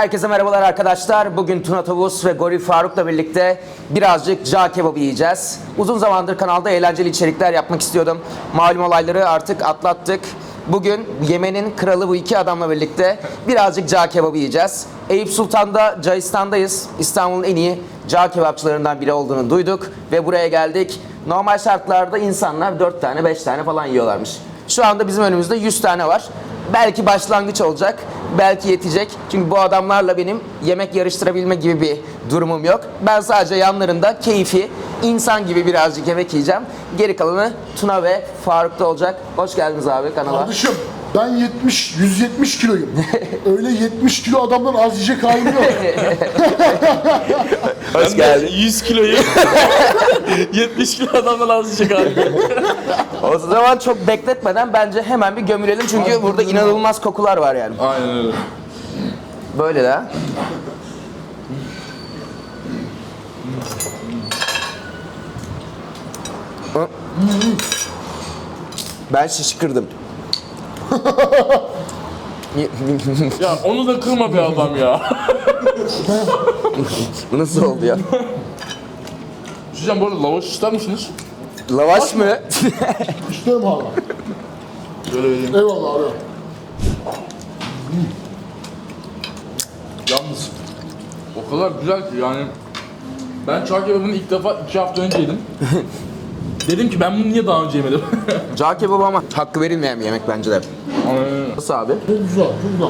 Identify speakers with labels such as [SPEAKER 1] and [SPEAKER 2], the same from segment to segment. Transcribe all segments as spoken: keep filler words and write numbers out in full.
[SPEAKER 1] Herkese merhabalar arkadaşlar. Bugün Tuna Tavus ve Goril Faruk'la birlikte birazcık cağ kebabı yiyeceğiz. Uzun zamandır kanalda eğlenceli içerikler yapmak istiyordum. Malum olayları artık atlattık. Bugün yemenin kralı bu iki adamla birlikte birazcık cağ kebabı yiyeceğiz. Eyüp Sultan'da, Cağistan'dayız. İstanbul'un en iyi cağ kebapçılarından biri olduğunu duyduk ve buraya geldik. Normal şartlarda insanlar dört tane, beş tane falan yiyorlarmış. Şu anda bizim önümüzde yüz tane var. Belki başlangıç olacak, belki yetecek. Çünkü bu adamlarla benim yemek yarıştırabilme gibi bir durumum yok. Ben sadece yanlarında keyfi, insan gibi birazcık yemek yiyeceğim. Geri kalanı Tuna ve Faruk'ta olacak. Hoş geldiniz abi kanala.
[SPEAKER 2] Kardeşim ben yetmiş, yüz yetmiş kiloyum. Öyle yetmiş kilo adamdan az yiyecek halim yok.
[SPEAKER 1] Hoş geldin.
[SPEAKER 3] yüz kiloyu yetmiş kilo adamdan az yiyecek abi.
[SPEAKER 1] O zaman çok bekletmeden bence hemen bir gömülelim. Çünkü burada inanılmaz kokular var yani.
[SPEAKER 3] Aynen öyle.
[SPEAKER 1] Böyle de. Ben şişkırdım.
[SPEAKER 3] Ya onu da kırma be adam ya.
[SPEAKER 1] Bu nasıl oldu ya?
[SPEAKER 3] Hocam bu arada lavaş ister misiniz?
[SPEAKER 1] Lavaş mı?
[SPEAKER 2] İşte hala.
[SPEAKER 3] Böyle vereyim.
[SPEAKER 2] Eyvallah abi.
[SPEAKER 3] Yalnız o kadar güzel ki yani ben çağ kebabını ilk defa iki hafta önce yedim. Dedim ki ben bunu niye daha önce yemedim?
[SPEAKER 1] Cağ kebabı ama hakkı verilmeyen bir yemek bence de.
[SPEAKER 3] Aynen.
[SPEAKER 1] Nasıl abi?
[SPEAKER 2] Çok güzel, çok güzel.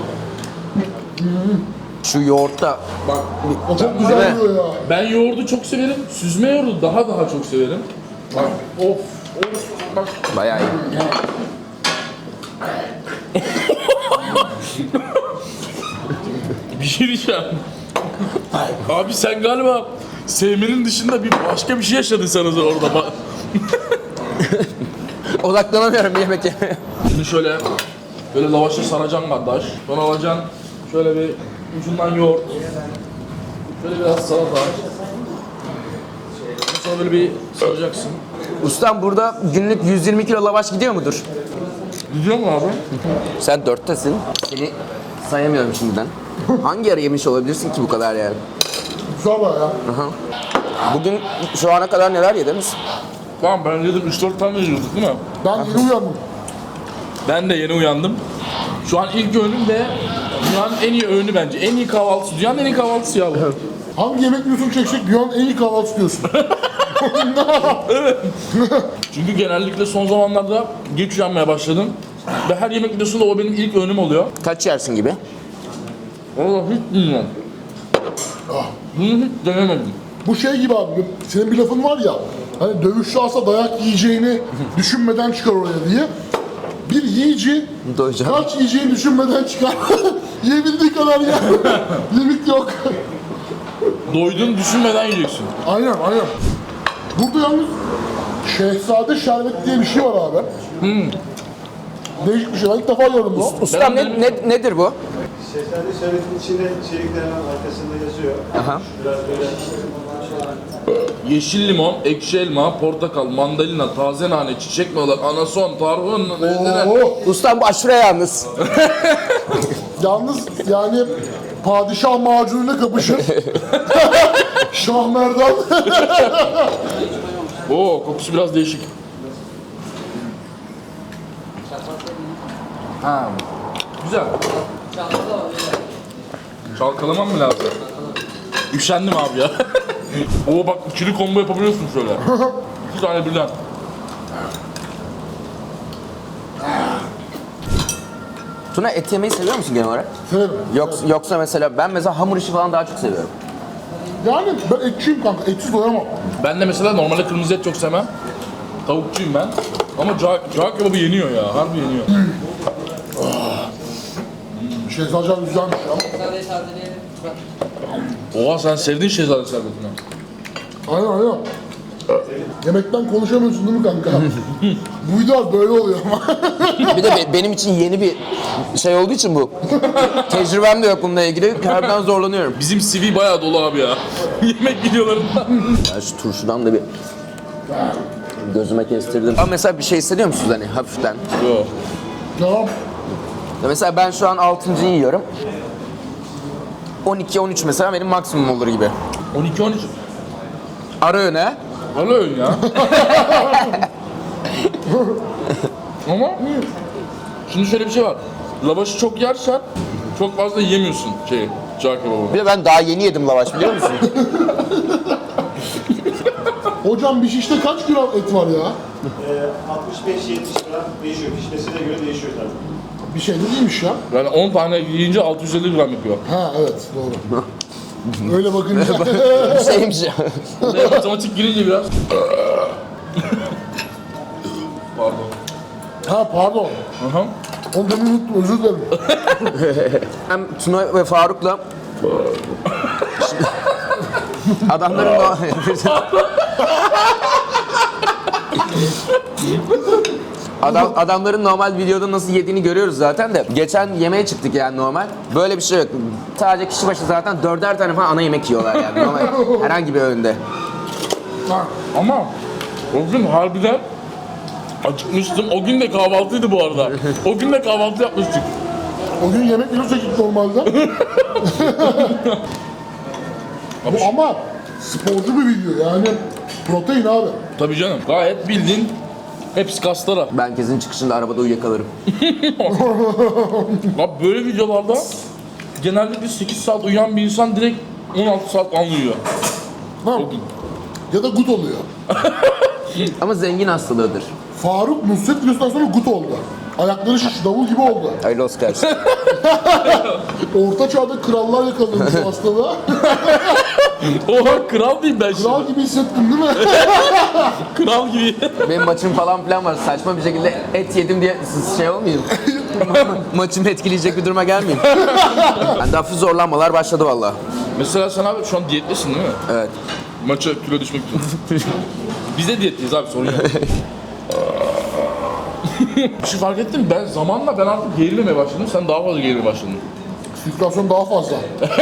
[SPEAKER 1] Şu yoğurtta
[SPEAKER 3] Bak
[SPEAKER 2] O çok
[SPEAKER 1] Değil
[SPEAKER 2] güzel
[SPEAKER 1] mi?
[SPEAKER 2] diyor ya.
[SPEAKER 3] ben yoğurdu çok severim. Süzme yoğurdu daha daha çok severim. Bak of of bak.
[SPEAKER 1] bayağı iyi.
[SPEAKER 3] Bir şey diyeceğim. Abi sen galiba sevmenin dışında bir başka bir şey yaşadın sen orada bak.
[SPEAKER 1] Odaklanamıyorum yemek yemeye.
[SPEAKER 3] Şimdi şöyle böyle lavaşa saracaksın kardeş. Sonra alacaksın şöyle bir ucundan yoğurt. Şöyle biraz salata. Sonra böyle bir saracaksın.
[SPEAKER 1] Ustam burada günlük yüz yirmi kilo lavaş gidiyor mudur?
[SPEAKER 3] Gidiyor mu abi?
[SPEAKER 1] Sen dörttesin. Seni sayamıyorum şimdiden. Hangi ara yemiş olabilirsin ki bu kadar yani?
[SPEAKER 2] Güzel baya ya.
[SPEAKER 1] Bugün şu ana kadar neler yediniz?
[SPEAKER 3] Tamam ben yedim üç dört tane yiyorduk değil mi?
[SPEAKER 2] Ben yeni uyandım.
[SPEAKER 3] Ben de yeni uyandım. Şu an ilk öğünüm ve dünyanın en iyi öğünü bence. En iyi kahvaltısı. Dünyanın en iyi kahvaltısı ya bu.
[SPEAKER 2] Hangi yemek yiyorsun çeksek dünyanın en iyi kahvaltısı diyorsun.
[SPEAKER 3] Çünkü genellikle son zamanlarda geç uyanmaya başladım. Ve her yemek videosunda o benim ilk öğünüm oluyor.
[SPEAKER 1] Kaç yersin gibi?
[SPEAKER 3] Valla hiç bilmiyorum. Bunu hiç denemedim.
[SPEAKER 2] Bu şey gibi abi, senin bir lafın var ya, hani dövüşçü asla dayak yiyeceğini düşünmeden çıkar oraya diye. Bir yiyici
[SPEAKER 1] Doyacağım.
[SPEAKER 2] kaç yiyeceğini düşünmeden çıkar. Yiyebildiği kadar ya. Limit yok.
[SPEAKER 3] Doyduğunu düşünmeden yiyeceksin.
[SPEAKER 2] Aynen aynen. Burada yalnız şehzade şerbet diye bir şey var abi.
[SPEAKER 3] Hmm.
[SPEAKER 2] Değişik bir şey. Ben ilk defa gördüm bunu.
[SPEAKER 1] Ustam ne, ne, nedir bu?
[SPEAKER 4] Şeftali şerbetin içinde içeriklerin arkasında yazıyor.
[SPEAKER 1] Aha.
[SPEAKER 4] Biraz böyle
[SPEAKER 3] Yeşil limon, ekşi elma, portakal, mandalina, taze nane, çiçek meyveler, anason, tarhun, ezine.
[SPEAKER 2] Oo,
[SPEAKER 1] Ustam bu aşure yalnız.
[SPEAKER 2] yalnız yani padişah macunuyla kapışır. Şahmerdan.
[SPEAKER 3] Oo, kokusu biraz değişik. Ha. Güzel. Çalkalamam mı lazım? Üşendim abi ya. Oo bak ikili combo yapabiliyorsun şöyle. İki tane birden.
[SPEAKER 1] Tuna et yemeyi seviyor musun genel olarak?
[SPEAKER 2] Severim.
[SPEAKER 1] Yoksa, yoksa mesela ben mesela hamur işi falan daha çok seviyorum.
[SPEAKER 2] Yani ben etçiyim kanka. Etsiz doyamam.
[SPEAKER 3] Ben de mesela normalde kırmızı et çok sevmem. Tavukçuyum ben. Ama cağ, cağ kebabı yeniyor ya. Harbi yeniyor.
[SPEAKER 2] Şehzade güzelmiş ya.
[SPEAKER 3] Oha sen sevdin şehzade şerbetini.
[SPEAKER 2] Aynen aynen. Yemekten konuşamıyorsun değil mi kanka? Bu videolar böyle oluyor ama.
[SPEAKER 1] Bir de be- benim için yeni bir şey olduğu için bu. Tecrübem de yok bununla ilgili. Harbiden zorlanıyorum.
[SPEAKER 3] Bizim C V bayağı dolu abi ya. Yemek videolarında.
[SPEAKER 1] Ya şu turşudan da bir gözüme kestirdim. Ama mesela bir şey hissediyor musunuz hani hafiften?
[SPEAKER 3] Yok.
[SPEAKER 2] Tamam.
[SPEAKER 1] Ya mesela ben şu an altıncıyı yiyorum. on iki on üç mesela benim maksimum olur gibi.
[SPEAKER 3] on iki on üç.
[SPEAKER 1] Ara öne.
[SPEAKER 3] Öyle öyle ya. Ama şimdi şöyle bir şey var. Lavaşı çok yersen çok fazla yiyemiyorsun şeyi, cağ kebabı.
[SPEAKER 1] Bir de ben daha yeni yedim lavaş biliyor musun?
[SPEAKER 2] Hocam bir şişte kaç gram et var ya?
[SPEAKER 4] Ee, altmış beş yetmiş gram değişiyor. Pişmesine göre değişiyor tabii.
[SPEAKER 2] Bir şey de değilmiş ya.
[SPEAKER 3] Yani on tane yiyince altı yüz elli gram yapıyor.
[SPEAKER 2] Ha evet doğru. Öyle bakınca.
[SPEAKER 1] Bir şeymiş ya.
[SPEAKER 3] Oraya matematik girince biraz. Pardon.
[SPEAKER 2] Ha pardon.
[SPEAKER 3] Aha.
[SPEAKER 2] Onu demin unuttum özür dilerim.
[SPEAKER 1] Hem Tuna ve Faruk'la adamların da Adam, adamların normal videoda nasıl yediğini görüyoruz zaten de. Geçen yemeğe çıktık yani normal. Böyle bir şey yok. Sadece kişi başı zaten dörder tane falan ana yemek yiyorlar yani normal. Herhangi bir öğünde.
[SPEAKER 2] Ha.
[SPEAKER 3] Ama o gün harbiden acıkmıştım. O gün de kahvaltıydı bu arada. O gün de kahvaltı yapmıştık.
[SPEAKER 2] O gün yemek video çektik normalde. Bu ama sporcu bir video yani protein abi.
[SPEAKER 3] Tabii canım. Gayet bildiğin hepsi kaslara.
[SPEAKER 1] Ben kesin çıkışında arabada uyuyakalırım.
[SPEAKER 3] Abi böyle videolarda genellikle sekiz saat uyuyan bir insan direkt on altı saat falan uyuyor.
[SPEAKER 2] Ha.
[SPEAKER 3] O gün.
[SPEAKER 2] Ya da gut oluyor.
[SPEAKER 1] Ama zengin hastalığıdır.
[SPEAKER 2] Faruk Nusret videosundan sonra gut oldu. Ayakları şiş, davul gibi oldu.
[SPEAKER 1] Hayırlı olsun kardeşim.
[SPEAKER 2] Orta çağda krallar yakaladı bu hastalığa.
[SPEAKER 3] Oha kral değil ben şimdi.
[SPEAKER 2] Kral gibi hissettin değil mi?
[SPEAKER 3] Kral gibi.
[SPEAKER 1] Benim maçım falan filan var. Saçma bir şekilde et yedim diye siz şey olmayayım. Maçımı etkileyecek bir duruma gelmeyeyim. Ben de hafif zorlanmalar başladı valla.
[SPEAKER 3] Mesela sen abi şu an diyetlisin değil mi?
[SPEAKER 1] Evet.
[SPEAKER 3] Maça kilo düşmek için. Biz de diyetliyiz abi sorun yok. Bir şey fark ettin mi? Ben zamanla ben artık gerilmeye başladım. Sen daha fazla gerilmeye başladın.
[SPEAKER 2] Sirkülasyon daha fazla.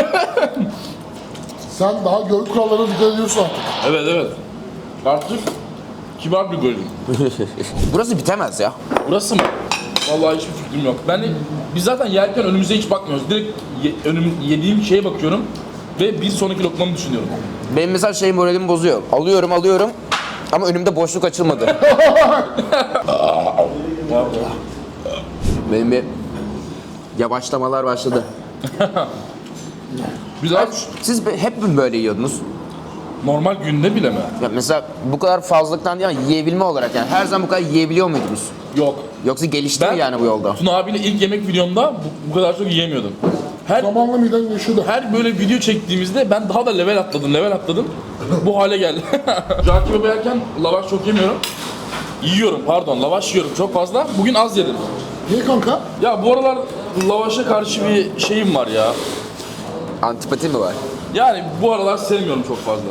[SPEAKER 2] Sen daha gök kurallarına dikkat ediyorsun artık.
[SPEAKER 3] Evet evet. Artık kibar bir golim.
[SPEAKER 1] Burası bitemez ya.
[SPEAKER 3] Burası mı? Vallahi hiçbir fikrim yok. Ben de, biz zaten yerken önümüze hiç bakmıyoruz. Direkt ye, önüm, yediğim şeye bakıyorum ve bir sonraki lokmamı düşünüyorum.
[SPEAKER 1] Benim mesela şey moralimi bozuyor. Alıyorum alıyorum ama önümde boşluk açılmadı. Benim bir yavaşlamalar başladı.
[SPEAKER 3] Biz abi
[SPEAKER 1] Siz be- hep mi böyle yiyordunuz?
[SPEAKER 3] normal günde bile mi?
[SPEAKER 1] Ya mesela bu kadar fazlalıktan değil ama yiyebilme olarak yani her zaman bu kadar yiyebiliyor muydunuz?
[SPEAKER 3] Yok.
[SPEAKER 1] Yoksa gelişti mi yani bu yolda?
[SPEAKER 3] Tuna abiyle ilk yemek videomda bu, bu kadar çok yiyemiyordum. Her
[SPEAKER 2] Zamanla miden yaşadı.
[SPEAKER 3] her böyle video çektiğimizde ben daha da level atladım, level atladım. Bu hale geldi. Cağ kebabı yerken lavaş çok yemiyorum. Yiyorum pardon, lavaş yiyorum çok fazla. Bugün az yedim.
[SPEAKER 2] Niye kanka?
[SPEAKER 3] Ya bu aralar lavaşa karşı bir şeyim var ya.
[SPEAKER 1] Antipati mi var?
[SPEAKER 3] Yani bu aralar sevmiyorum çok fazla.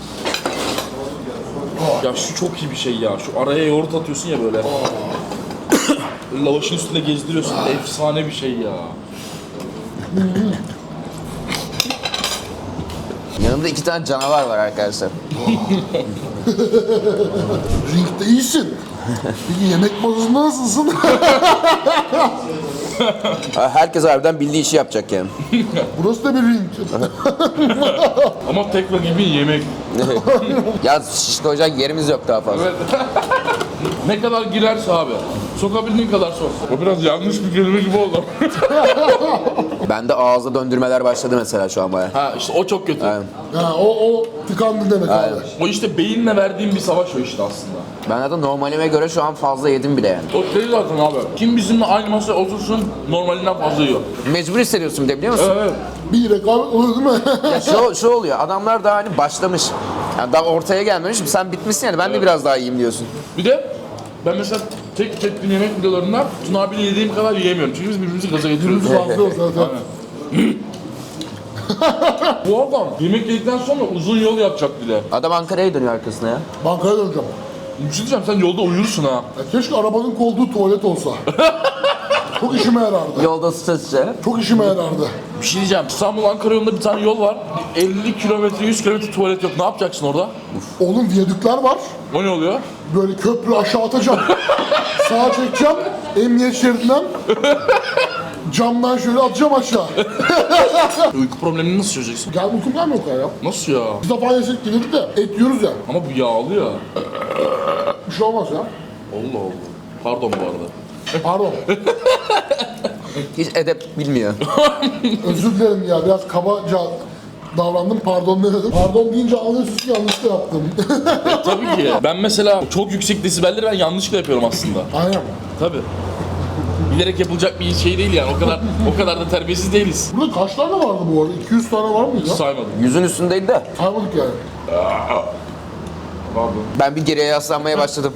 [SPEAKER 3] Ya şu çok iyi bir şey ya. Şu araya yoğurt atıyorsun ya böyle. Böyle lavaşın üstünde gezdiriyorsun. Efsane bir şey ya.
[SPEAKER 1] Yanımda iki tane canavar var arkadaşlar.
[SPEAKER 2] Ringde iyisin. Peki yemek bazında nasılsın?
[SPEAKER 1] Ha, herkes harbiden bildiği işi yapacak yani.
[SPEAKER 2] Burası da bir ring.
[SPEAKER 3] Ama tekrar gibi yemek.
[SPEAKER 1] Ya şiş koyacak yerimiz yok daha fazla.
[SPEAKER 3] Evet. Ne kadar girerse abi. Sokabildiğin kadar sok. O biraz yanlış bir kelime gibi oldu.
[SPEAKER 1] Bende ağızda döndürmeler başladı mesela şu an baya.
[SPEAKER 3] Ha işte o çok kötü.
[SPEAKER 1] Aynen.
[SPEAKER 2] Ha, o, o tıkandı demek abi.
[SPEAKER 3] O işte beyinle verdiğin bir savaş o işte aslında.
[SPEAKER 1] Ben zaten normalime göre şu an fazla yedim bile yani.
[SPEAKER 3] O değil zaten abi. Kim bizimle aynı masaya otursun normalinden fazla yiyor.
[SPEAKER 1] Mecbur hissediyorsun bir de biliyor musun?
[SPEAKER 3] Evet.
[SPEAKER 2] Bir rekabet oluyor değil mi?
[SPEAKER 1] Ya şu, şu oluyor adamlar daha hani başlamış. Yani daha ortaya gelmemiş sen bitmişsin yani ben de biraz daha iyiyim diyorsun.
[SPEAKER 3] Bir de ben mesela tek tepkin yemek videolarında Tuna abiyle yediğim kadar yiyemiyorum. Çünkü biz birbirimizi gaza getiriyoruz.
[SPEAKER 2] Fazla yok zaten.
[SPEAKER 3] Bu adam yemek yedikten sonra uzun yol yapacak bile.
[SPEAKER 1] Adam Ankara'ya dönüyor arkasına ya.
[SPEAKER 2] Bankaya döneceğim.
[SPEAKER 3] Bir şey diyeceğim sen yolda uyursun ha.
[SPEAKER 2] Ya keşke arabanın kolduğu tuvalet olsa. Çok işime yarardı.
[SPEAKER 1] Yolda sözce.
[SPEAKER 2] Çok işime yarardı.
[SPEAKER 3] Bir şey diyeceğim. İstanbul Ankara yolunda bir tane yol var. elli kilometre yüz kilometre tuvalet yok. Ne yapacaksın orada?
[SPEAKER 2] Oğlum viyadükler var.
[SPEAKER 3] O ne oluyor?
[SPEAKER 2] Böyle köprü aşağı atacağım. Sağa çekeceğim. Emniyet şeridinden. camdan şöyle atacağım aşağı.
[SPEAKER 3] Uyku problemini nasıl çözeceksin?
[SPEAKER 2] Gel uykum gelmiyor o kadar ya.
[SPEAKER 3] Nasıl ya?
[SPEAKER 2] Biz defa yesek gelirdik de et yiyoruz ya.
[SPEAKER 3] Ama bu yağlı ya.
[SPEAKER 2] Bir şey olmaz ya.
[SPEAKER 3] Allah Allah. Pardon bu arada.
[SPEAKER 2] Pardon.
[SPEAKER 1] Hiç edep bilmiyor.
[SPEAKER 2] Özür dilerim ya. Biraz kabaca davrandım. Pardon ne dedim. Pardon deyince anlıyorsunuz ki yanlışlıkla yaptım.
[SPEAKER 3] Tabii ki. Ben mesela çok yüksek desibelleri ben yanlışlıkla yapıyorum aslında.
[SPEAKER 2] Aynen.
[SPEAKER 3] Tabii. Bilerek yapılacak bir şey değil yani. O kadar o kadar da terbiyesiz değiliz.
[SPEAKER 2] Burada kaç tane vardı bu arada? iki yüz tane var mıydı ya?
[SPEAKER 3] Saymadım.
[SPEAKER 1] Yüzün üstündeydi de.
[SPEAKER 2] Saymadık yani.
[SPEAKER 3] Pardon.
[SPEAKER 1] Ben bir geriye yaslanmaya başladım.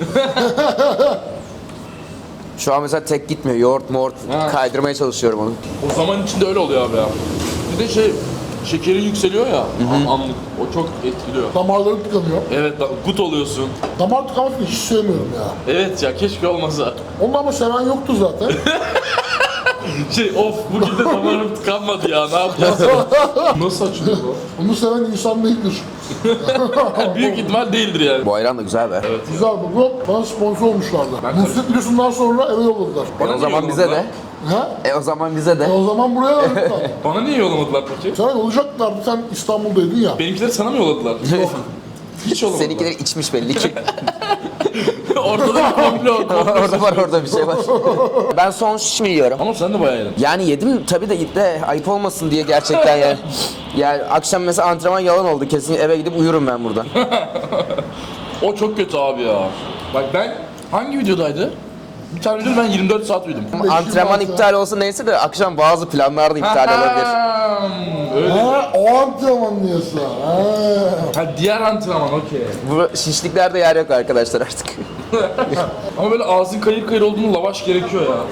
[SPEAKER 1] Şu an mesela tek gitmiyor. Yoğurt moğurt
[SPEAKER 3] Ha.
[SPEAKER 1] kaydırmaya çalışıyorum onu.
[SPEAKER 3] O zaman içinde öyle oluyor abi ya. Bir de şey, şekerin yükseliyor ya anlık. O çok etkiliyor.
[SPEAKER 2] Damarları tıkanıyor.
[SPEAKER 3] Evet, da- gut oluyorsun.
[SPEAKER 2] Damar tıkanmasını hiç sevmiyorum ya.
[SPEAKER 3] Evet ya, keşke olmasa.
[SPEAKER 2] Onu ama seven yoktu zaten.
[SPEAKER 3] Şey, of bugün de damarım tıkanmadı ya, ne yapacağız? Nasıl açılıyor bu?
[SPEAKER 2] Onu seven insan değildir.
[SPEAKER 3] Büyük ihtimal değildir yani.
[SPEAKER 1] Bu ayran da güzel be.
[SPEAKER 2] Güzel bu. Bu bana sponsor olmuşlardı. Nusret videosundan sonra eve yolladılar.
[SPEAKER 1] E o zaman bize de.
[SPEAKER 2] Ha?
[SPEAKER 1] E o zaman bize
[SPEAKER 2] E
[SPEAKER 1] de.
[SPEAKER 2] o zaman buraya yolladılar.
[SPEAKER 3] Bana niye yollamadılar peki?
[SPEAKER 2] Sana olacaklardı. Sen İstanbul'daydın ya.
[SPEAKER 3] Benimkileri sana mı yolladılar? Hiç yollamadılar.
[SPEAKER 1] Seninkileri içmiş belli ki.
[SPEAKER 3] Orada da bir komplo.
[SPEAKER 1] Orada var orada bir şey var. Ben son şişimi yiyorum.
[SPEAKER 3] Ama sen de bayağı yedin.
[SPEAKER 1] Yani yedim tabii de, de ayıp olmasın diye gerçekten yani. Yani akşam mesela antrenman yalan oldu. Kesin eve gidip uyurum ben buradan.
[SPEAKER 3] O çok kötü abi ya. Bak ben hangi videodaydı? Bir tane videoda ben yirmi dört saat uyudum.
[SPEAKER 1] Antrenman iptal olsa neyse de akşam bazı planlar da iptal olabilir.
[SPEAKER 3] Ha, öyle.
[SPEAKER 2] Ha, o antrenman diyorsun. Ha.
[SPEAKER 3] Ha, diğer antrenman okey.
[SPEAKER 1] Bu şişliklerde yer yok arkadaşlar artık.
[SPEAKER 3] Ama böyle ağzın kayır kayır olduğunda lavaş gerekiyor ya.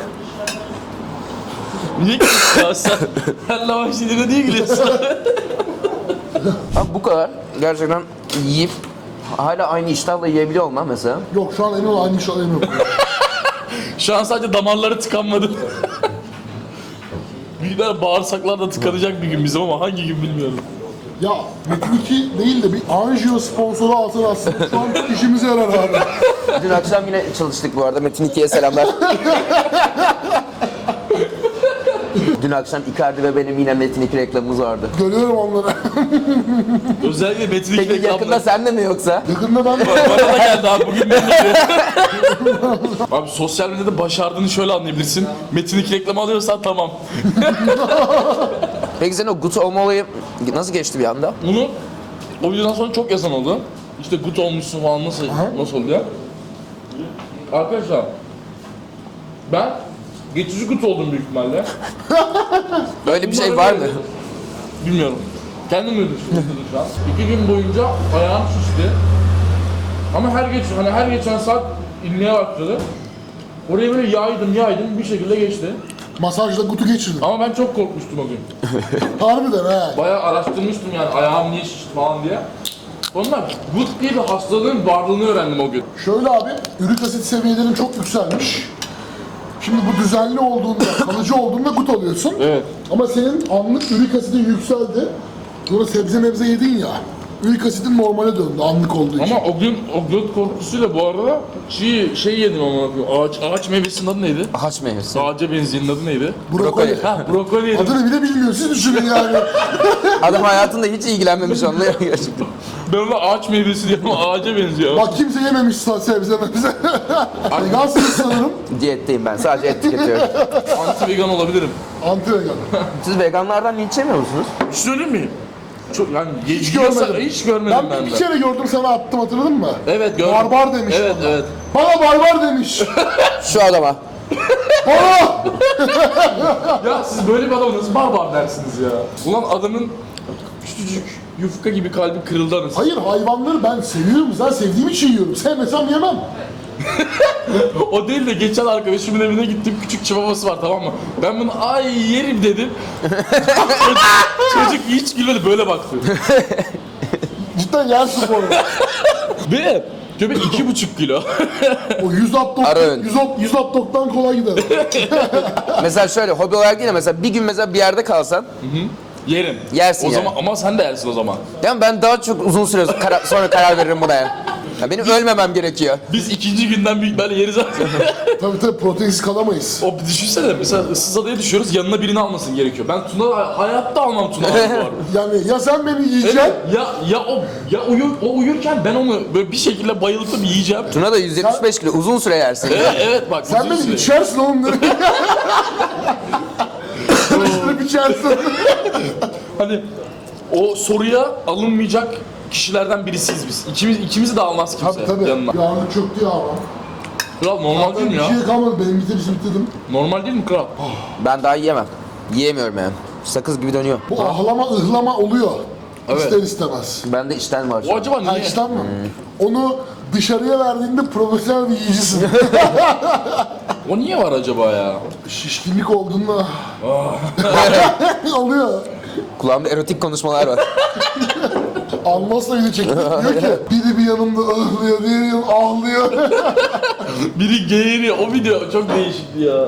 [SPEAKER 3] Niye gülüyorsun ya sen? Sen lavaş yediğine niye gülüyorsun?
[SPEAKER 1] Abi bu kadar gerçekten yiyip hala aynı iştahla yiyebiliyor olmam mesela.
[SPEAKER 2] Yok şu an emin ol aynı şey yemiyorum.
[SPEAKER 3] Şu an sadece damarları tıkanmadı. Bir daha bağırsaklar da tıkanacak bir gün bizim ama hangi gün bilmiyorum.
[SPEAKER 2] Ya Metin iki değil de bir anjiyo sponsoru alsan aslında şu an çok işimize yarar abi.
[SPEAKER 1] Dün akşam yine çalıştık bu arada. Metin ikiye selamlar. Dün akşam Icardi ve benim yine Metin iki reklamımız vardı.
[SPEAKER 2] Görüyorum onları.
[SPEAKER 3] Özellikle Metin
[SPEAKER 1] Peki
[SPEAKER 3] iki
[SPEAKER 1] yakında sen de mi yoksa?
[SPEAKER 2] Yakında ben de
[SPEAKER 3] Bana da geldi abi bugün benim geliyor. Abi sosyal medyada başardığını şöyle anlayabilirsin. Metin iki reklamı alıyorsan tamam.
[SPEAKER 1] Peki senin o gut olma olayı nasıl geçti bir anda?
[SPEAKER 3] Bunu o videodan sonra çok yazan oldu. İşte gut olmuşsun falan nasıl, nasıl oldu ya? Arkadaşlar ben geçici gut oldum büyük ihtimalle.
[SPEAKER 1] Böyle bir şey
[SPEAKER 3] Bunlar
[SPEAKER 1] var mı?
[SPEAKER 3] öyle. Bilmiyorum. Kendim öyle düşünüyorum şu an. İki gün boyunca ayağım şişti. Ama her geç hani her geçen saat inmeye başladı. Oraya böyle yaydım yaydım bir şekilde geçti.
[SPEAKER 2] masajla kutu geçirdim.
[SPEAKER 3] Ama ben çok korkmuştum o gün.
[SPEAKER 2] Harbiden he.
[SPEAKER 3] Bayağı araştırmıştım yani ayağım niye şişti falan diye. Sonra gut diye bir hastalığın varlığını öğrendim o gün.
[SPEAKER 2] Şöyle abi, ürik asit seviyelerin çok yükselmiş. Şimdi bu düzenli olduğunda, kalıcı olduğunda gut alıyorsun.
[SPEAKER 3] Evet.
[SPEAKER 2] Ama senin anlık ürik asidin yükseldi. Sonra sebze mebze yedin ya. Ürik asidin normale döndü anlık olduğu için.
[SPEAKER 3] Ama o gün o gut korkusuyla bu arada çiğ şey yedim ama ağaç ağaç meyvesinin adı neydi?
[SPEAKER 1] Ağaç meyvesi.
[SPEAKER 3] Ağaca benzeyenin adı neydi?
[SPEAKER 2] brokoli.
[SPEAKER 3] Ha brokoli yedim.
[SPEAKER 2] Adını bile bilmiyor. Siz düşünün yani.
[SPEAKER 1] Adam hayatında hiç ilgilenmemiş onunla ya gerçekten.
[SPEAKER 3] Ben ona ağaç meyvesi diyorum ama ağaca benziyor.
[SPEAKER 2] Bak kimse yememiş sa- sebze mebze. Vegansınız sanırım.
[SPEAKER 1] Diyetteyim ben. Sadece et tüketiyorum.
[SPEAKER 3] Anti vegan olabilirim.
[SPEAKER 2] Anti vegan.
[SPEAKER 1] Siz veganlardan linç yemiyor musunuz?
[SPEAKER 3] Hiç söyleyeyim mi? Çok yani
[SPEAKER 2] Hiç
[SPEAKER 3] yiyorsa-
[SPEAKER 2] görmedim.
[SPEAKER 3] Hiç görmedim
[SPEAKER 2] Ben,
[SPEAKER 3] ben,
[SPEAKER 2] bir
[SPEAKER 3] de.
[SPEAKER 2] kere gördüm sana attım hatırladın mı?
[SPEAKER 3] Evet gördüm.
[SPEAKER 2] Barbar demiş
[SPEAKER 3] Evet
[SPEAKER 2] bana.
[SPEAKER 3] evet.
[SPEAKER 2] Bana barbar demiş.
[SPEAKER 1] Şu adama.
[SPEAKER 2] Bana!
[SPEAKER 3] Ya siz böyle bir adama nasıl barbar dersiniz ya? Ulan adamın küçücük yufka gibi kalbi kırıldı anasını.
[SPEAKER 2] Hayır hayvanları ben seviyorum. Zaten sevdiğim için yiyorum. Sevmesem yemem.
[SPEAKER 3] O değil de geçen arkadaşımın evine gittim küçük çıvabası var tamam mı? Ben bunu ay yerim dedim. çocuk, çocuk hiç gülmedi böyle baktı.
[SPEAKER 2] Cidden yersin bu arada.
[SPEAKER 3] Ve köpek iki buçuk kilo.
[SPEAKER 2] O yüz hot dog,
[SPEAKER 1] Ara ön.
[SPEAKER 2] yüz hot, yüz hot dog'dan kolay gider.
[SPEAKER 1] Mesela şöyle hobi olarak değil de mesela bir gün mesela bir yerde kalsan.
[SPEAKER 3] Yerim.
[SPEAKER 1] Yersin
[SPEAKER 3] o
[SPEAKER 1] yani.
[SPEAKER 3] zaman ama sen de yersin o zaman.
[SPEAKER 1] Yani ben daha çok uzun süre kara- sonra karar veririm buna yani. Ya benim ölmemem gerekiyor.
[SPEAKER 3] Biz ikinci günden büyük böyle yeriz artık.
[SPEAKER 2] Tabii tabii proteinsiz kalamayız.
[SPEAKER 3] O bir düşünsene mesela ıssız adaya düşüyoruz yanına birini almasın gerekiyor. Ben Tuna hayatta almam Tuna abi bu arada.
[SPEAKER 2] Yani ya sen beni yiyeceksin,
[SPEAKER 3] Evet, ya ya o ya uyur o uyurken ben onu böyle bir şekilde bayıltıp yiyeceğim.
[SPEAKER 1] Tuna da yüz yetmiş beş kilo uzun süre yersin.
[SPEAKER 3] Evet, evet bak.
[SPEAKER 2] sen
[SPEAKER 3] uzun
[SPEAKER 2] beni
[SPEAKER 3] süre.
[SPEAKER 2] içersin oğlum nereye? Karıştırıp içersin.
[SPEAKER 3] Hani o soruya alınmayacak kişilerden birisiyiz biz. İkimiz ikimizi de almaz kimse
[SPEAKER 2] Tabii tabii.
[SPEAKER 3] yanına.
[SPEAKER 2] Yarın çöktü ya ama.
[SPEAKER 3] Kral normal değil mi
[SPEAKER 2] Bir
[SPEAKER 3] ya?
[SPEAKER 2] şey kalmadı, benim bitirisi bitirdim.
[SPEAKER 3] Normal değil mi kral?
[SPEAKER 1] Ben daha yiyemem. Yiyemiyorum yani. Sakız gibi dönüyor.
[SPEAKER 2] Bu ahlama ıhlama oluyor.
[SPEAKER 3] Evet.
[SPEAKER 2] İster istemez.
[SPEAKER 1] Bende içten var. şu
[SPEAKER 3] O
[SPEAKER 1] an.
[SPEAKER 3] acaba
[SPEAKER 2] Ha
[SPEAKER 3] niye?
[SPEAKER 2] işten mi? Onu dışarıya verdiğinde profesyonel bir yiyicisin.
[SPEAKER 3] O niye var acaba ya?
[SPEAKER 2] Şişkinlik olduğunda oluyor.
[SPEAKER 1] Kulağımda erotik konuşmalar var.
[SPEAKER 2] Almazsa bir de çekti. Diyor ki biri bir yanımda ıhlıyor, diğeri yanımda ağlıyor.
[SPEAKER 3] Biri geğiriyor. O video çok değişikti ya.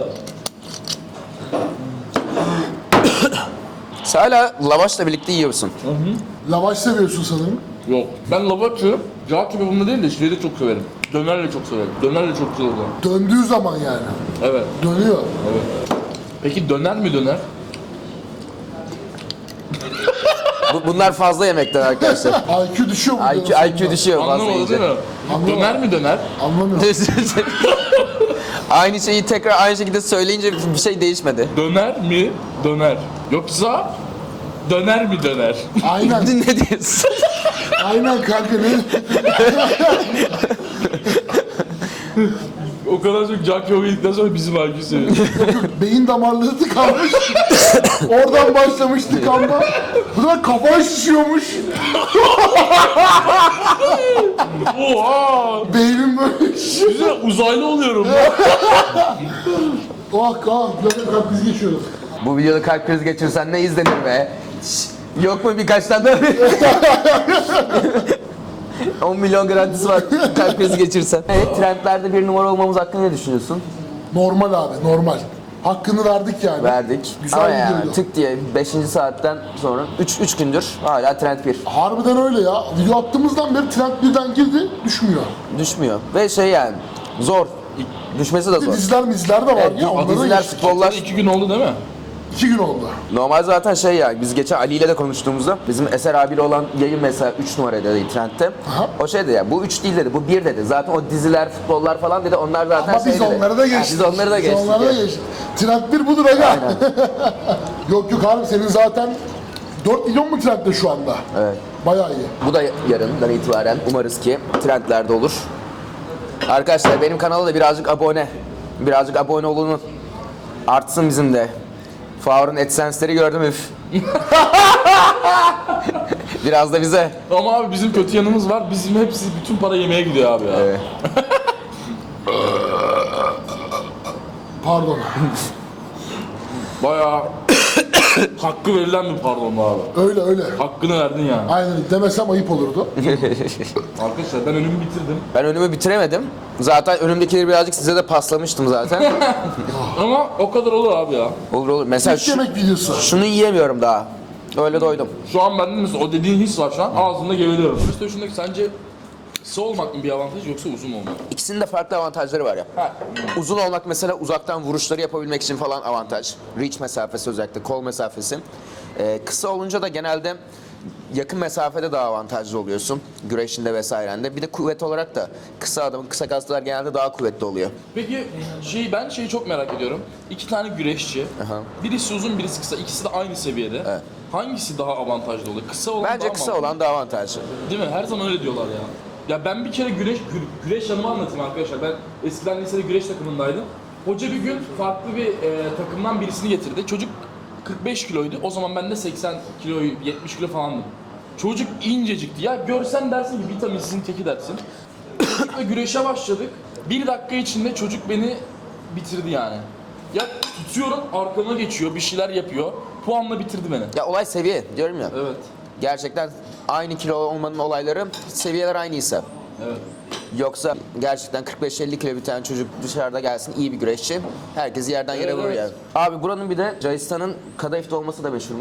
[SPEAKER 1] Sen hala lavaşla birlikte yiyorsun.
[SPEAKER 2] Lavaş seviyorsun sanırım.
[SPEAKER 3] Yok. Ben lavaşı cağ kebabında değil de şeyi de çok severim. Dönerle çok severim. Dönerle çok güzel oluyor.
[SPEAKER 2] Döndüğü zaman yani.
[SPEAKER 3] Evet.
[SPEAKER 2] Dönüyor.
[SPEAKER 3] Evet. Peki döner mi döner?
[SPEAKER 1] Bu, bunlar fazla yemekler arkadaşlar.
[SPEAKER 2] I Q düşüyor bu
[SPEAKER 1] I Q,
[SPEAKER 2] videonun
[SPEAKER 1] I Q
[SPEAKER 2] sonunda.
[SPEAKER 1] düşüyor fazla
[SPEAKER 3] Anlamadı
[SPEAKER 1] yiyince.
[SPEAKER 3] değil mi?
[SPEAKER 2] Anlamadım.
[SPEAKER 3] Döner mi döner?
[SPEAKER 2] Anlamıyorum.
[SPEAKER 1] Aynı şeyi tekrar aynı şekilde söyleyince bir şey değişmedi.
[SPEAKER 3] Döner mi döner? Yoksa döner mi döner?
[SPEAKER 2] Aynen.
[SPEAKER 1] Ne diyorsun?
[SPEAKER 2] Aynen kanka ne?
[SPEAKER 3] O kadar çok cağ kebabı yedikten sonra bizim I Q seviyor.
[SPEAKER 2] Beyin damarları tıkanmış. Oradan başlamış tıkanma. Bu da kafa şişiyormuş.
[SPEAKER 3] Oha!
[SPEAKER 2] Beynim böyle şişiyor.
[SPEAKER 3] Güzel uzaylı oluyorum.
[SPEAKER 2] Ah ah. Zaten kalp krizi geçiyorum.
[SPEAKER 1] Bu videoda kalp krizi geçirsen ne izlenir be? Şşş, yok mu birkaç tane daha? on milyon garantisi var kalp krizi geçirsen. Evet, trendlerde bir numara olmamız hakkında ne düşünüyorsun?
[SPEAKER 2] Normal abi normal. Hakkını verdik yani.
[SPEAKER 1] Verdik.
[SPEAKER 2] Güzel
[SPEAKER 1] Ama
[SPEAKER 2] bir
[SPEAKER 1] yani
[SPEAKER 2] videoydu.
[SPEAKER 1] tık diye beşinci saatten sonra üç gündür hala trend bir.
[SPEAKER 2] Harbiden öyle ya. Video attığımızdan beri trend birden girdi, düşmüyor.
[SPEAKER 1] Düşmüyor. Ve şey yani zor. Düşmesi de
[SPEAKER 2] Bir
[SPEAKER 1] zor.
[SPEAKER 2] diziler mizler de var
[SPEAKER 1] Evet,
[SPEAKER 2] ya. Onları da
[SPEAKER 1] diziler,
[SPEAKER 2] geçtik.
[SPEAKER 1] futbollar.
[SPEAKER 3] iki gün oldu değil mi?
[SPEAKER 2] İki gün oldu.
[SPEAKER 1] Normal zaten şey yani biz geçen Ali ile de konuştuğumuzda bizim Eser abiyle olan yayın mesela üç numaraydı dedi trendte.
[SPEAKER 2] Aha.
[SPEAKER 1] O şey dedi ya bu üç değil dedi bu bir dedi. Zaten o diziler, futbollar falan dedi onlar zaten
[SPEAKER 2] Ama
[SPEAKER 1] şey
[SPEAKER 2] biz
[SPEAKER 1] dedi.
[SPEAKER 2] onları da
[SPEAKER 1] Yani
[SPEAKER 2] geçtik.
[SPEAKER 1] biz onları da
[SPEAKER 2] Biz
[SPEAKER 1] geçtik.
[SPEAKER 2] onları da
[SPEAKER 1] ya.
[SPEAKER 2] geçtik. Trend bir budur aga. yok yok abi senin zaten dört milyon mu trendde şu anda?
[SPEAKER 1] Evet.
[SPEAKER 2] Bayağı iyi.
[SPEAKER 1] Bu da yarından itibaren umarız ki trendlerde olur. Arkadaşlar benim kanala da birazcık abone. Birazcık abone olunun. Artsın bizim de. Favre'ın AdSense'leri gördüm üf. Biraz da bize.
[SPEAKER 3] Ama abi bizim kötü yanımız var. Bizim hepsi bütün para yemeğe gidiyor abi ya.
[SPEAKER 1] Evet.
[SPEAKER 2] Pardon.
[SPEAKER 3] Bayağı hakkı verilen bir pardon bu abi.
[SPEAKER 2] öyle öyle.
[SPEAKER 3] Hakkını verdin yani.
[SPEAKER 2] Aynen demesem ayıp olurdu.
[SPEAKER 3] Arkadaşlar ben önümü bitirdim.
[SPEAKER 1] Ben önümü bitiremedim. Zaten önümdekileri birazcık size de paslamıştım zaten.
[SPEAKER 3] Ama o kadar olur abi ya.
[SPEAKER 1] Olur olur. Mesela
[SPEAKER 2] İlk
[SPEAKER 1] şu,
[SPEAKER 2] yemek videosu.
[SPEAKER 1] şunu yiyemiyorum daha. Öyle doydum.
[SPEAKER 3] Şu an bende mesela o dediğin his var şu an. Ağzımda geveliyorum. PlayStation'daki sence kısa olmak mı bir avantaj yoksa uzun olmak?
[SPEAKER 1] İkisinin de farklı avantajları var ya.
[SPEAKER 3] Ha.
[SPEAKER 1] Uzun olmak mesela uzaktan vuruşları yapabilmek için falan avantaj. Reach mesafesi özellikle, kol mesafesi. Ee, kısa olunca da genelde yakın mesafede daha avantajlı oluyorsun. Güreşinde vesairende. Bir de kuvvet olarak da kısa adamın, kısa kaslılar genelde daha kuvvetli oluyor.
[SPEAKER 3] Peki şey ben şeyi çok merak ediyorum. İki tane güreşçi.
[SPEAKER 1] Aha.
[SPEAKER 3] Birisi uzun, birisi kısa. İkisi de aynı seviyede.
[SPEAKER 1] Evet.
[SPEAKER 3] Hangisi daha avantajlı oluyor? Kısa olan
[SPEAKER 1] Bence
[SPEAKER 3] daha
[SPEAKER 1] kısa
[SPEAKER 3] mı?
[SPEAKER 1] olan daha avantajlı.
[SPEAKER 3] Değil mi? Her zaman öyle diyorlar ya. Ya ben bir kere güreş gü- güreş yanımı anlatayım arkadaşlar. Ben eskiden lisede güreş takımındaydım. Hoca bir gün farklı bir e, takımdan birisini getirdi. Çocuk kırk beş kiloydu. O zaman ben de seksen kilo, yetmiş kilo falandım. Çocuk incecikti. Ya görsen dersin ki vitaminsizin teki dersin. Çocukla güreşe başladık. Bir dakika içinde çocuk beni bitirdi yani. Ya tutuyorum arkama geçiyor, bir şeyler yapıyor. Puanla bitirdi beni.
[SPEAKER 1] Ya olay seviye diyorum ya.
[SPEAKER 3] Evet.
[SPEAKER 1] Gerçekten aynı kilo olmanın olayları seviyeler aynıysa.
[SPEAKER 3] Evet.
[SPEAKER 1] Yoksa gerçekten kırk beş elli kilo bir tane çocuk dışarıda gelsin iyi bir güreşçi. Herkes yerden yere
[SPEAKER 3] Evet,
[SPEAKER 1] vurur
[SPEAKER 3] evet.
[SPEAKER 1] yani. Abi buranın bir de Caistan'ın kadayıf dolması da meşhurmuş.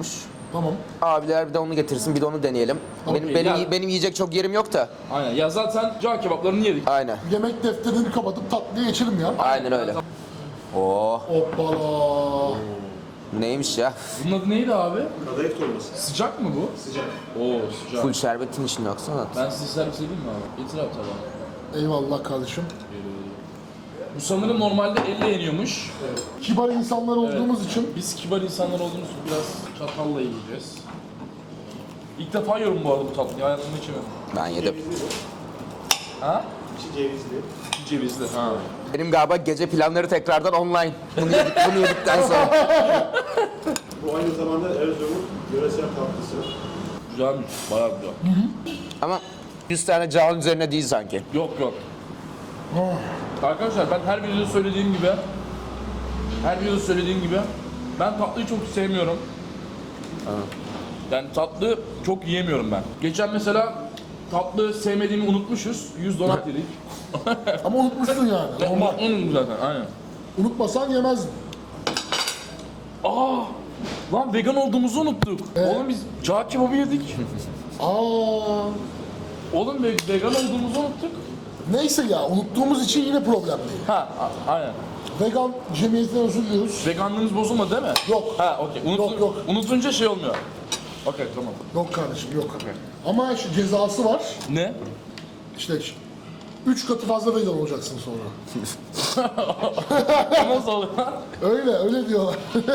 [SPEAKER 2] Tamam.
[SPEAKER 1] Abiler bir de onu getirsin, bir de onu deneyelim. Benim
[SPEAKER 3] Okey,
[SPEAKER 1] benim
[SPEAKER 3] ya-
[SPEAKER 1] benim yiyecek çok yerim yok da.
[SPEAKER 3] Aynen. Ya zaten cağ kebaplarını yedik.
[SPEAKER 1] Aynen.
[SPEAKER 2] Yemek defterini kapatıp tatlıya geçelim ya.
[SPEAKER 1] Aynen öyle. Oo,
[SPEAKER 2] Hoppala.
[SPEAKER 1] neymiş ya?
[SPEAKER 3] Bunun adı neydi abi?
[SPEAKER 4] Kadayıf torbası.
[SPEAKER 3] Sıcak mı bu?
[SPEAKER 4] Sıcak.
[SPEAKER 3] Oo sıcak.
[SPEAKER 1] Full şerbetin içinde baksana.
[SPEAKER 3] Ben size servis edeyim mi abi? Getir abi tabağı.
[SPEAKER 2] Eyvallah kardeşim.
[SPEAKER 3] Bu sanırım normalde elle yeniyormuş.
[SPEAKER 2] Kibar insanlar olduğumuz için
[SPEAKER 3] Biz kibar insanlar olduğumuz için biraz çatalla yiyeceğiz. İlk defa yiyorum bu arada bu tatlıyı. Hayatımda içemedim.
[SPEAKER 1] Ben yedim.
[SPEAKER 3] Ha?
[SPEAKER 4] İçi cevizli.
[SPEAKER 3] Cevizli. Ha.
[SPEAKER 1] Benim galiba gece planları tekrardan online. Bunu, yedik, bunu yedikten sonra.
[SPEAKER 4] Bu aynı zamanda Erzurum'un yöresel tatlısı.
[SPEAKER 3] Güzelmiş. Bayağı güzel.
[SPEAKER 1] Ama yüz tane cağın üzerine değil sanki.
[SPEAKER 3] Yok yok. Arkadaşlar ben her videoda söylediğim gibi her videoda söylediğim gibi ben tatlıyı çok sevmiyorum. Yani tatlı çok yiyemiyorum ben. Geçen mesela tatlı sevmediğimi unutmuşuz. yüz donat yedik.
[SPEAKER 2] ama unutmuşsun yani. Normal.
[SPEAKER 3] Unutmuşum zaten aynen.
[SPEAKER 2] Unutmasan yemezdin.
[SPEAKER 3] Aa! Lan vegan olduğumuzu unuttuk. Oğlum biz cağ kebabı yedik.
[SPEAKER 2] Aa.
[SPEAKER 3] Oğlum ve- vegan olduğumuzu unuttuk.
[SPEAKER 2] Neyse ya unuttuğumuz için yine problem değil.
[SPEAKER 3] Ha a- aynen.
[SPEAKER 2] Vegan cemiyetinden özür diliyoruz.
[SPEAKER 3] Veganlığımız bozulmadı değil mi?
[SPEAKER 2] Yok.
[SPEAKER 3] Ha okey. Unutun-
[SPEAKER 2] Yok, yok.
[SPEAKER 3] Unutunca şey olmuyor. Okey tamam.
[SPEAKER 2] Yok kardeşim yok. Ama şu cezası var.
[SPEAKER 3] Ne?
[SPEAKER 2] İşte üç katı fazla vegan olacaksın sonra.
[SPEAKER 3] Nasıl oluyor?
[SPEAKER 2] Öyle öyle diyorlar.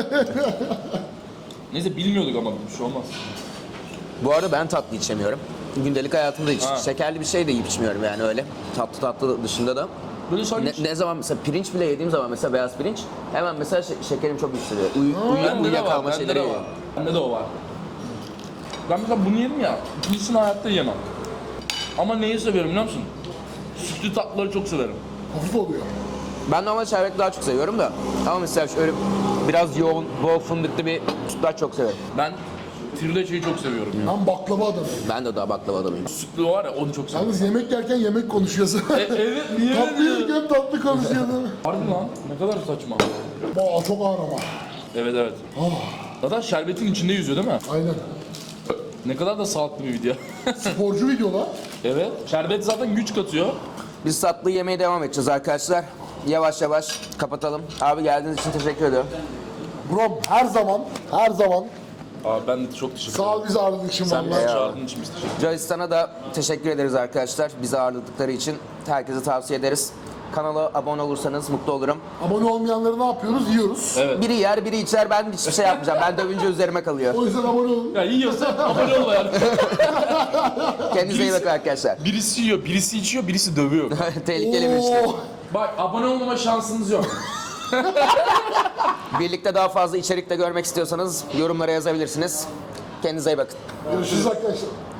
[SPEAKER 3] Neyse bilmiyorduk ama bir şey olmaz.
[SPEAKER 1] Bu arada ben tatlı içemiyorum. Gündelik hayatımda hiç
[SPEAKER 3] Ha.
[SPEAKER 1] şekerli bir şey de yiyip içmiyorum yani öyle. Tatlı tatlı dışında da.
[SPEAKER 3] Böyle sanki...
[SPEAKER 1] Ne, ne zaman mesela pirinç bile yediğim zaman mesela beyaz pirinç hemen mesela şe- şekerim çok yükseliyor. Uy, uyuya,
[SPEAKER 3] Bende de var,
[SPEAKER 1] uyuyakalma
[SPEAKER 3] bende
[SPEAKER 1] şeyleri
[SPEAKER 3] de var.
[SPEAKER 1] yiyorum.
[SPEAKER 3] Bende de o var. Ben mesela bunu yedim ya, ikincisini hayatta yemem. Ama neyi seviyorum biliyor musun? Sütlü tatlıları çok severim.
[SPEAKER 2] Hafif oluyor.
[SPEAKER 1] Ben normal şerbeti daha çok seviyorum da. Ama mesela şöyle biraz yoğun, bol fındıklı bir sütlaç çok severim.
[SPEAKER 3] Ben trileçeyi çok seviyorum.
[SPEAKER 2] Ben baklava adamıyım.
[SPEAKER 1] Ben de daha baklava adamıyım.
[SPEAKER 3] Sütlü var ya onu çok seviyorum.
[SPEAKER 2] Yalnız yemek yerken yemek konuşuyorsun.
[SPEAKER 3] E, evet niye
[SPEAKER 2] tatlı
[SPEAKER 3] öyle diyor?
[SPEAKER 2] yerken tatlı konuşuyorsun.
[SPEAKER 3] Harbi lan ne kadar saçma.
[SPEAKER 2] Aa, çok ağır ama.
[SPEAKER 3] Evet evet. Zaten şerbetin içinde yüzüyor değil mi?
[SPEAKER 2] Aynen.
[SPEAKER 3] Ne kadar da sağlıklı bir video.
[SPEAKER 2] Sporcu videolar.
[SPEAKER 3] Evet. Şerbet zaten güç katıyor.
[SPEAKER 1] Biz tatlı yemeye devam edeceğiz arkadaşlar. Yavaş yavaş kapatalım. Abi geldiğiniz için teşekkür ediyorum.
[SPEAKER 2] Brom her zaman, her zaman
[SPEAKER 3] Abi ben de çok teşekkür
[SPEAKER 2] sağ
[SPEAKER 3] ederim.
[SPEAKER 2] ol bizi ağırladığın için
[SPEAKER 3] Sen bizi
[SPEAKER 2] vallahi.
[SPEAKER 3] çağırdığın için biz teşekkür ederiz.
[SPEAKER 1] Joystan'a da teşekkür ederiz arkadaşlar. Bizi ağırladıkları için. Herkese tavsiye ederiz. Kanala abone olursanız mutlu olurum.
[SPEAKER 2] Abone olmayanları ne yapıyoruz? Yiyoruz.
[SPEAKER 3] Evet.
[SPEAKER 1] Biri yer, biri içer. Ben hiçbir şey yapmayacağım. Ben dövünce üzerime kalıyor.
[SPEAKER 2] O yüzden abone olun.
[SPEAKER 3] Ya yiyorsan abone ol yani.
[SPEAKER 1] Kendinize iyi bakın arkadaşlar.
[SPEAKER 3] Birisi yiyor, birisi içiyor, birisi dövüyor.
[SPEAKER 1] Tehlikeli bir işlem.
[SPEAKER 2] Oo.
[SPEAKER 3] Bak abone olmama şansınız yok.
[SPEAKER 1] Birlikte daha fazla içerik de görmek istiyorsanız yorumlara yazabilirsiniz. Kendinize iyi bakın.
[SPEAKER 2] Görüşürüz arkadaşlar.